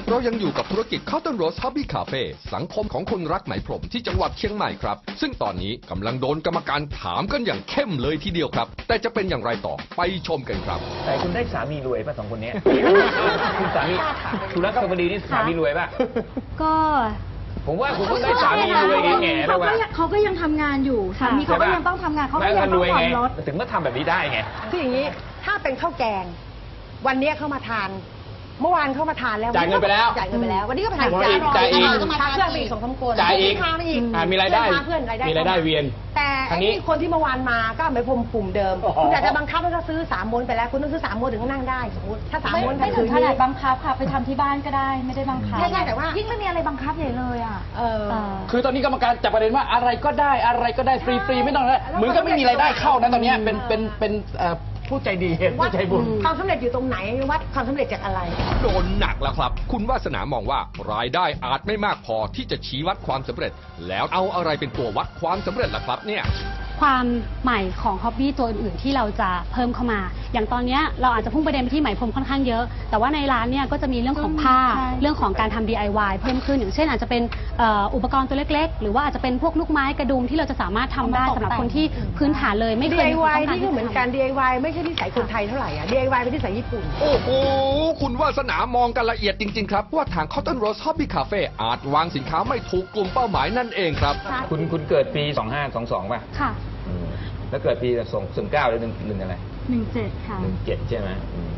เรายังอยู่กับธุรกิจ Cotton Rose Hobby Cafe สังคมของคนรักไหมพรมที่จังหวัดเชียงใหม่ครับซึ่งตอนนี้กำลังโดนกรรมการถามกันอย่างเข้มเลยทีเดียวครับแต่จะเป็นอย่างไรต่อไปชมกันครับแต่คุณได้สามีรวยป่ะสองคนนี้ คุณสามีคุณรักสวัสดีนี่สามีรวยป่ะก็ผมว่าคุณต้องได้สามีรวยแง่ๆแล้วว่าเขาก็ยังทำงานอยู่สามีเขาก็ยังต้องทำงานเขาก็ยังต้องผ่อนรถถึงมาทำแบบนี้ได้ไงคืออย่างนี้ถ้าเป็นข้าวแกงวันนี้เข้ามาทานเมื่อวานเข้ามาทานแล้วจ่ายเงินไปแล้ววันนี้ก็ไปทานจ่ายอีกทานเพื่อนไปอีก2-3 คนจ่ายอีกมีรายได้เพื่อนรายได้เวียนแต่ไอ้นี่คนที่เมื่อวานมาก็ไม่พรมปุ่มเดิมคุณอยากจะบังคับให้เขาซื้อ3 ม้วนไปแล้วคุณต้องซื้อ3 ม้วนถึงนั่งได้สมมติถ้า3 ม้วนไม่ถึงขนาดบังคับค่ะไปทำที่บ้านก็ได้ไม่ได้บังคับใช่แต่ว่ายิ่งไม่มีอะไรบังคับใหญ่เลยอ่ะคือตอนนี้กรรมการจับประเด็นว่าอะไรก็ได้ฟรีไม่ต้องเลยเหมือนก็ไม่มีรายได้เข้านะตอนนี้เป็นผู้ใจดีผู้ใจบุญความสำเร็จอยู่ตรงไหนวัดความสำเร็จจากอะไรโดนหนักแล้วครับคุณวาสนามองว่ารายได้อาจไม่มากพอที่จะชี้วัดความสำเร็จแล้วเอาอะไรเป็นตัววัดความสำเร็จล่ะครับเนี่ยความใหม่ของฮ็อบบี้ตัวอื่นๆที่เราจะเพิ่มเข้ามาอย่างตอนนี้เราอาจจะพุ่งประเด็นไปที่ไหมพรมค่อนข้างเยอะแต่ว่าในร้านเนี่ยก็จะมีเรื่องของผ้าเรื่องของการทำ DIY เพิ่มขึ้นอย่างเช่นอาจจะเป็นอุปกรณ์ตัวเล็กๆหรือว่าอาจจะเป็นพวกลูกไม้กระดุมที่เราจะสามารถทำได้สำหรับคนที่พื้นฐานเลยไม่เคย DIY นี่ก็เหมือนกัน DIY ไม่ใช่นิสัยคนไทยเท่าไหร่อะ DIY เป็นนิสัยญี่ปุ่นโอ้โหคุณวาสนามองกันละเอียดจริงๆครับว่าทาง Cotton Rose Hobby Cafe อาจวางสินค้าไม่ถูกกลุ่มเป้าหมายนั่นเองครับคุณเกิดปี2522ป่ะค่ะแล้วเกิดปี19หรือ1อะไร 17ค่ะ 17ใช่ไหม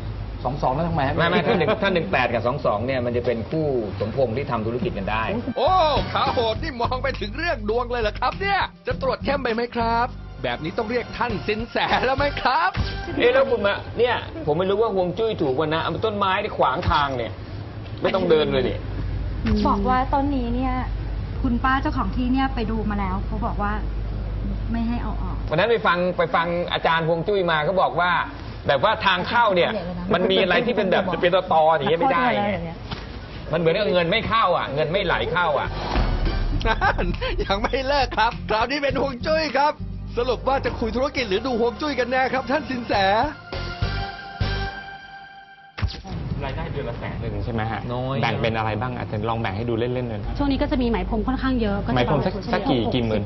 22แล้วทำไมไม่ถ้า18กับ22เนี่ยมันจะเป็นคู่สมพงษ์ที่ทำธุรกิจกันได้โอ้ขาโหดนี่มองไปถึงเรื่องดวงเลยเหรอครับเนี่ยจะตรวจเข้มไปไหมครับแบบนี้ต้องเรียกท่านสินแสแล้วไหมครับแล้วคุณมาเนี่ยผมไม่รู้ว่าฮวงจุ้ยถูกวันนะเอาต้นไม้ที่ขวางทางเนี่ยไม่ต้องเดินเลยนี่บอกว่าต้นนี้เนี่ยคุณป้าเจ้าของที่เนี่ยไปดูมาแล้วเขาบอกว่าไม่ให้เอาออกวันนั้นไปฟังอาจารย์ฮวงจุ้ยมาเขาบอกว่าแบบว่าทางเข้าเนี่ยมันมีอะไรที่เป็นแบบเป็นตออย่างเงี้ยไม่ได้มันเหมือนกับเงินไม่เข้าอ่ะเงินไม่ไหลเข้าอ่ะยังไม่เลิกครับคราวนี้เป็นฮวงจุ้ยครับสรุปว่าจะคุยธุรกิจหรือดูฮวงจุ้ยกันแน่ครับท่านสินแสรายได้เดือนละ100,000ใช่ไหมฮะแบ่งเป็นอะไรบ้างอาจจะลองแบ่งให้ดูเล่นๆเลยช่วงนี้ก็จะมีไหมพรมค่อนข้างเยอะไหมพรมสักกี่หมื่น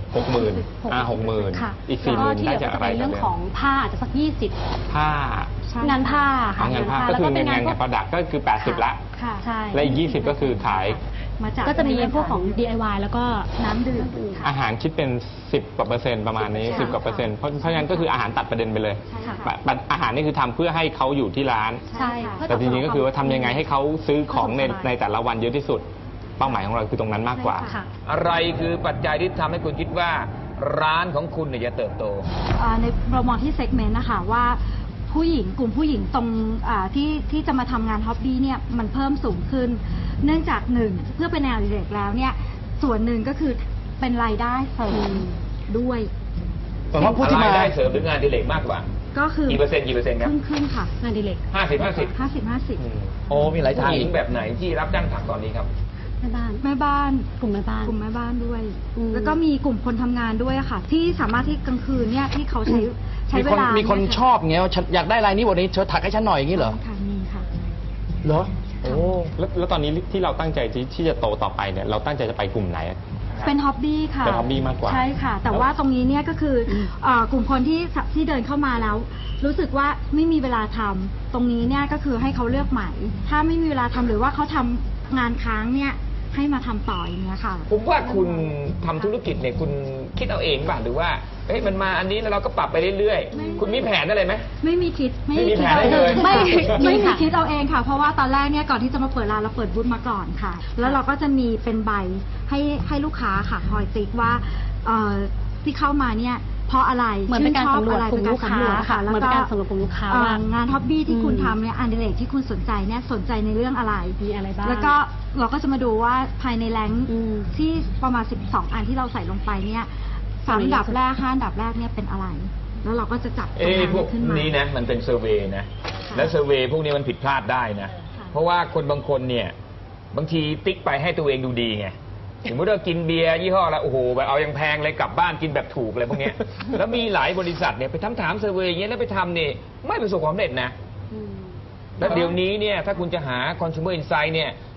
60,000 ค่ะอีก40,000ได้จากอะไรเรื่องของผ้าอาจจะสัก20 ผ้างานผ้าค่ะงานผ้าก็คือเป็นงานประดับก็คือ80ละค่ะใช่และอีก20ก็คือขายก็จะมีพวกของ DIY แล้วก็น้ำดื่มอาหารคิดเป็น10 กว่าเปอร์เซ็นต์ประมาณนี้10 กว่าเปอร์เซ็นต์เพราะฉะนั้นก็คืออาหารตัดประเด็นไปเลยอาหารนี่คือทำเพื่อให้เขาอยู่ที่ร้านแต่จริงๆก็คือว่าทำยังไงให้เขาซื้อของในแต่ละวันเยอะที่สุดเป้าหมายของเราคือตรงนั้นมากกว่าอะไรคือปัจจัยที่ทำให้คุณคิดว่าร้านของคุณเนี่ยจะเติบโตในเรามองที่เซกเมนต์นะคะว่ากลุ่มผู้หญิงตรงที่จะมาทำงานฮ็อบบี้เนี่ยมันเพิ่มสูงขึ้นเนื่องจาก1เพื่อเป็นแนวอดิเรกแล้วเนี่ยส่วนหนึ่งก็คือเป็นรายได้เสริมด้วยแต่ว่าผู้ที่มารายได้เสริมหรืองานอดิเรกมากกว่าก็คือกี่เปอร์เซ็นต์ครับครึ่งค่ะงานอดิเรกโอ้มีหลายทางผู้หญิงแบบไหนที่รับจ้างถักตอนนี้ครับแม่บ้านกลุ่มแม่บ้านด้วยแล้วก็มีกลุ่มคนทำงานด้วยค่ะที่สามารถที่กลางคืนเนี่ยที่เขาใช้เวลามีคนชอบเงี้ยอยากได้ลายนี้วันนี้เธอถักให้ฉันหน่อยอย่างนี้เหรอค่ะมีค่ะเหรอโอ้แล้วตอนนี้ที่เราตั้งใจที่จะโตต่อไปเนี่ยเราตั้งใจจะไปกลุ่มไหนเป็นฮ็อบบี้ค่ะเป็นฮ็อบบี้มากกว่าใช่ค่ะแต่ว่าตรงนี้เนี่ยก็คือกลุ่มคนที่เดินเข้ามาแล้วรู้สึกว่าไม่มีเวลาทำตรงนี้เนี่ยก็คือให้เขาเลือกใหม่ถ้าไม่มีเวลาทำหรือว่าเขาทำงานค้างเนี่ยให้มาทำต่ออย่างเงี้ยค่ะผมว่าคุณทำธุรกิจเนี่ยคุณคิดเอาเองป่ะหรือว่ามันมาอันนี้แล้วเราก็ปรับไปเรื่อยๆคุณมีแผนอะไรไหมไม่มีคิดไม่มีแผนเลยไม่มีคิดเอาเองค่ะเพราะว่าตอนแรกเนี่ยก่อนที่จะมาเปิดร้านเราเปิดบูธมาก่อนค่ะแล้วเราก็จะมีเป็นใบให้ลูกค้าค่ะคอยติ๊กว่าที่เข้ามาเนี่ยเพราะอะไรเหมือนเป็นการสำรวจกลุ่มลูกค้าค่ะแล้วก็สำรวจกลุ่มลูกค้างานฮ็อบบี้ที่คุณทำเนี่ยอันเดเรกที่คุณสนใจเนี่ยสนใจในเรื่องอะไรมีอะไรบ้างแล้วก็เราก็จะมาดูว่าภายในแรงที่ประมาณ12อันที่เราใส่ลงไปเนี่ย3 อันดับแรก5 อันดับแรกเนี่ยเป็นอะไรแล้วเราก็จะจับตรงนั้นขึ้นมานี่นะมันเป็นเซอร์เวย์นะแล้วเซอร์เวย์พวกนี้มันผิดพลาดได้นะเพราะว่าคนบางคนเนี่ยบางทีติ๊กไปให้ตัวเองดูดีไงสมมติเรากินเบียร์ยี่ห้อแล้วโอ้โหแบบเอายังแพงเลยกลับบ้านกินแบบถูกอะไรพวกนี้แล้วมีหลายบริษัทเนี่ยไปถามเซอร์เวย์อย่างเงี้ยแล้วไปทำเนี่ยไม่ประสบความสำเร็จนะแล้วเดี๋ยวนี้เนี่ยถ้าคุณจะหา consumer insight เนี่ย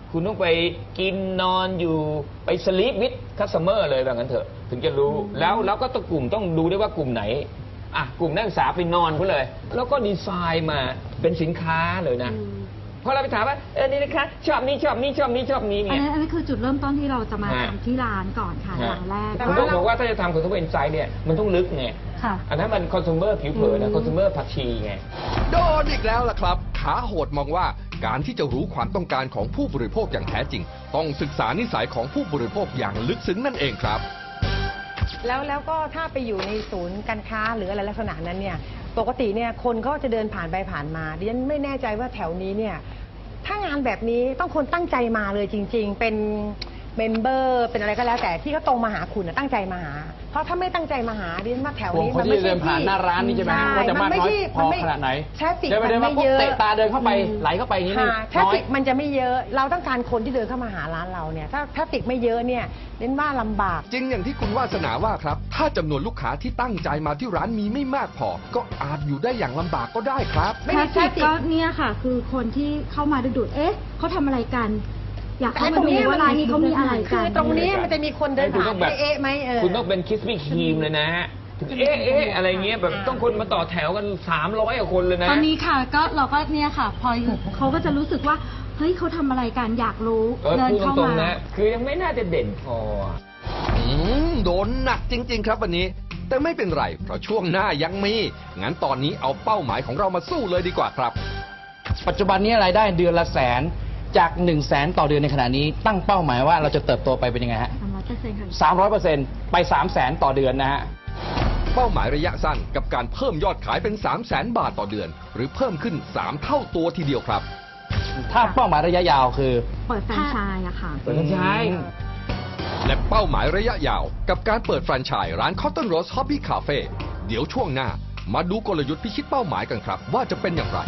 คุณต้องไปกินนอนอยู่ไปสลีปวิดคัสเตอร์เลยแบบนั้นเถอะถึงจะรู้แล้วก็ต้องกลุ่มต้องดูด้วยว่ากลุ่มไหนกลุ่มนักศึกษาไปนอนเขาเลยแล้วก็ดีไซน์มาเป็นสินค้าเลยนะพอเราไปถามว่านี่นะคะชอบนี้ชอบนี้ชอบนี้ชอบนี้เนี่ยอันนี้คือจุดเริ่มต้นที่เราจะมาทำที่ร้านก่อนค่ะอย่างแรกผมต้องบอกว่าถ้าจะทำ consumer insight เนี่ยมันต้องลึกไงอันนั้นมัน consumer ผิวเผินนะ consumer ผักชีไงโดนอีกแล้วล่ะครับขาโหดมองว่าการที่จะรู้ความต้องการของผู้บริโภคอย่างแท้จริงต้องศึกษานิสัยของผู้บริโภคอย่างลึกซึ้งนั่นเองครับแล้วก็ถ้าไปอยู่ในศูนย์การค้าหรืออะไรลักษณะนั้นเนี่ยปกติเนี่ยคนก็จะเดินผ่านไปผ่านมาดิฉันไม่แน่ใจว่าแถวนี้เนี่ยถ้างานแบบนี้ต้องคนตั้งใจมาเลยจริงๆเป็นเมมเบอร์เป็นอะไรก็แล้วแต่ที่เขาตรงมาหาคุณตั้งใจมาหาเพราะถ้าไม่ตั้งใจมาหาดิฉันว่าแถวนี้มันไม่ใช่ที่เดินผ่านหน้าร้านนี่ใช่ไหมว่าจะมากน้อยพอขนาดไหนแทฟฟิกมันไม่เยอะเตะตาเดินเข้าไปไหลเข้าไปนี่แทฟฟิกมันจะไม่เยอะเราต้องการคนที่เดินเข้ามาหาร้านเราเนี่ยถ้าแทฟฟิกไม่เยอะเนี่ยดิฉันว่าลำบากจริงอย่างที่คุณวาสนาว่าครับถ้าจำนวนลูกค้าที่ตั้งใจมาที่ร้านมีไม่มากพอก็อาจอยู่ได้อย่างลำบากก็ได้ครับแทฟฟิกก็เนี่ยค่ะคือคนที่เข้ามาดูเอ๊ะเขาทำอะไรกันอยากเข้ามาดูว่าร้านนี้เขามีอะไรกันตรงนี้มันจะมีคนเดินผ่านเอ๊ะไหมคุณต้องเป็นคิสปี้ครีมเลยนะฮะอะไรเงี้ยแบบต้องคนมาต่อแถวกัน300 กว่าคนเลยนะตอนนี้ค่ะก็เราก็เนี่ยค่ะพอเขาก็จะรู้สึกว่าเฮ้ยเขาทำอะไรกันอยากรู้เดินเข้ามานะคือยังไม่น่าจะเด่นพอโดนหนักจริงๆครับวันนี้แต่ไม่เป็นไรเพราะช่วงหน้ายังมีงั้นตอนนี้เอาเป้าหมายของเรามาสู้เลยดีกว่าครับปัจจุบันนี้รายได้เดือนละ100,000จาก100,000ต่อเดือนในขณะนี้ตั้งเป้าหมายว่าเราจะเติบโตไปเป็นยังไงฮะ300%ไป300,000ต่อเดือนนะฮะเป้าหมายระยะสั้นกับการเพิ่มยอดขายเป็น300,000 บาทต่อเดือนหรือเพิ่มขึ้น3 เท่าตัวทีเดียวครับถ้าเป้าหมายระยะยาวคือเปิดแฟรนไชส์อะค่ะเปิดแฟรนไชส์และเป้าหมายระยะยาวกับการเปิดแฟรนไชส์ร้าน Cotton Rose Hobby Cafe เดี๋ยวช่วงหน้ามาดูกลยุทธ์พิชิตเป้าหมายกันครับว่าจะเป็นอย่างไร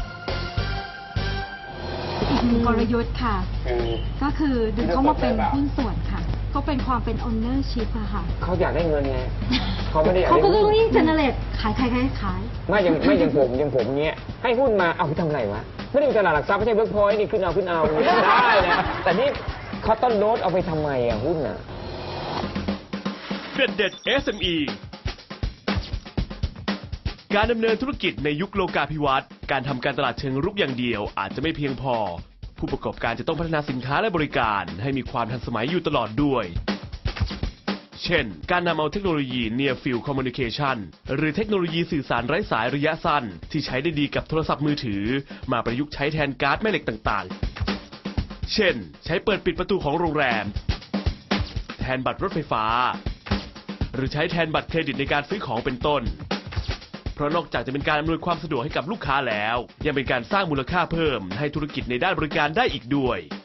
อีกหนึ่งกลยุทธ์ค่ะก็คือดึงเข้ามาเป็นหุ้นส่วนค่ะก็เป็นความเป็น ownership อะค่ะเขาอยากได้เงินไงเขาไม่ได้อยากได้เขาก็ต้องรีบ generate ขายไม่อย่างผมเนี้ยให้หุ้นมาเอาไปทำอะไรวะไม่ได้มีตลาดหลักทรัพย์ไม่ใช่เวิร์กพอยต์นี่ขึ้นเอาได้นะแต่นี่เขาต้นโน้ตเอาไปทำไมอะหุ้นอะเด็ด SME การดำเนินธุรกิจในยุคโลกาภิวัตน์การทำการตลาดเชิงรุกอย่างเดียวอาจจะไม่เพียงพอผู้ประกอบการจะต้องพัฒนาสินค้าและบริการให้มีความทันสมัยอยู่ตลอดด้วยเช่นการนำเอาเทคโนโลยี Near Field Communication หรือเทคโนโลยีสื่อสารไร้สายระยะสั้นที่ใช้ได้ดีกับโทรศัพท์มือถือมาประยุกต์ใช้แทนการ์ดแม่เหล็กต่างๆเช่นใช้เปิดปิดประตูของโรงแรมแทนบัตรรถไฟฟ้าหรือใช้แทนบัตรเครดิตในการซื้อของเป็นต้นเพราะนอกจากจะเป็นการอำนวยความสะดวกให้กับลูกค้าแล้วยังเป็นการสร้างมูลค่าเพิ่มให้ธุรกิจในด้านบริการได้อีกด้วย